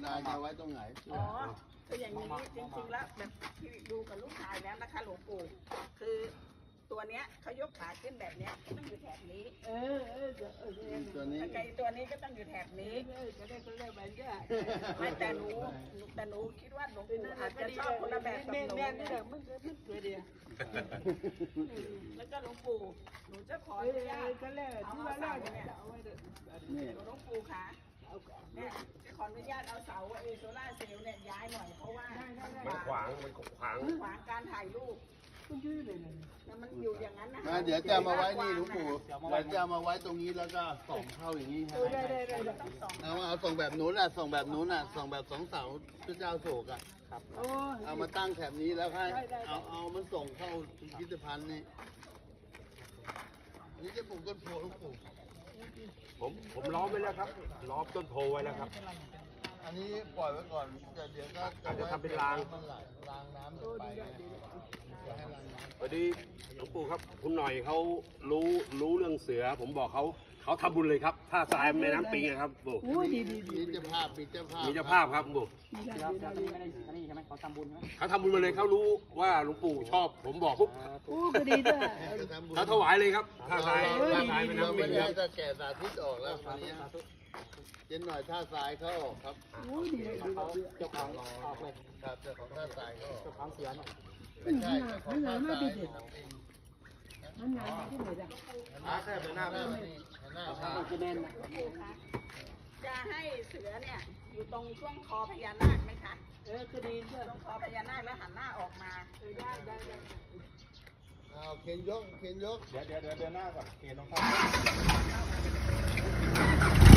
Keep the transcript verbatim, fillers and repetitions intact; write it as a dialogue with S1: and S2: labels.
S1: นายจะไว้ตรงไหนอ๋อ
S2: คืออย่างนี้จริงๆแล้วแบบที่ดูกับลูกชายแล้วนะคะหลวงปู่คือตัวเนี้ยเขายกขาขึ้นแบบเนี้ยต้องอยู่แถบนี้เออเออเออตัวนี้ไก่ตัวนี้ก็ต้องอยู่แถบนี้จะได้คนเล่นแบบนี้ไม่แต่หนูแต่หนูคิดว่าหลวงปู่อาจจะชอบคนละแบบกับหนูแม่นี่แหละมันมันเกิดเดียวแล้วก็หลวงปู่หนูจะขออนุญาตเอาเสาเนี่ยหลวงปู่คะเนี่ยจะขออนุญาตเอาเสาเอโซล่าเซลล์เนี่ยย้ายหน่อยเพราะว่ามันขวางมันขวางขวางการถ่ายรูปมันอยู่อย่างนั้นนะเดี๋ยวจะมาไว้นี่หลวงปู่เดี๋ยวจะมาไว้ตรงนี้แล้วก็ส่องเข้าอย่างนี้ใช่ไหมเอาเอาส่องแบบนู้นอ่ะส่องแบบนู้นอ่ะส่องแบบสองเสาพระเจ้าโศกอ่ะเอามาตั้งแถบนี้แล้วให้เอาเอามันส่งเข้าพิพิธภัณฑ์นี่นี่จะปลูกต้นโพหลวงปู่
S3: ผมผมล้อมไว้แล้วครับล้อมต้นโพไว้แล้วครับ
S1: อันนี้ปล่อยไว้ก่อนแต่เดี๋ยวก็
S3: จะทำเป็นราง
S1: รางน้ำไป
S3: พอดีหลวงปู่ครับคุณหน่อยเขารู้รู้เรื่องเสือผมบอกเขาเขาทำบุญเลยครับท่าทรายแม่น้ำปิงครับปู่
S1: มีเจ้าภาพมีเจ้าภาพ
S3: มีเจ้าภาพครับปู่เขาทำบุญมาเลยเขารู้ว่าหลวงปู่ชอบผมบอกปุ๊บเขาถวายเลยครับท่าทรายท่าทรายแม่น้ำปิงครับ
S1: จะแก่สาธิตออกแล้วตอนนี้เย็นหน่อยท่าทรายเขาออกครับเจ้าของออกเลยครับเจ้าของท่าทรายเขาออกเจ้าของเสือไม่ใช่เจ้าของท่าทรายมันหนาที่ไหนจ้ะหน้าแค่เป็นหน้าเป็นหน้าชาจะแน่นนะ
S2: จะให้เสือเนี่ยอยู่ตรงช่วงคอพญานาคไหมคะเออคือดีตรงคอพญานาคแล้วหันหน้าออกมาเออได้ได้ได้
S1: เอาเข็นยกเข็นยก
S4: เดี๋ยวเดี๋ยวเดี๋ยวหน้าก่อนเข็นลงเข้า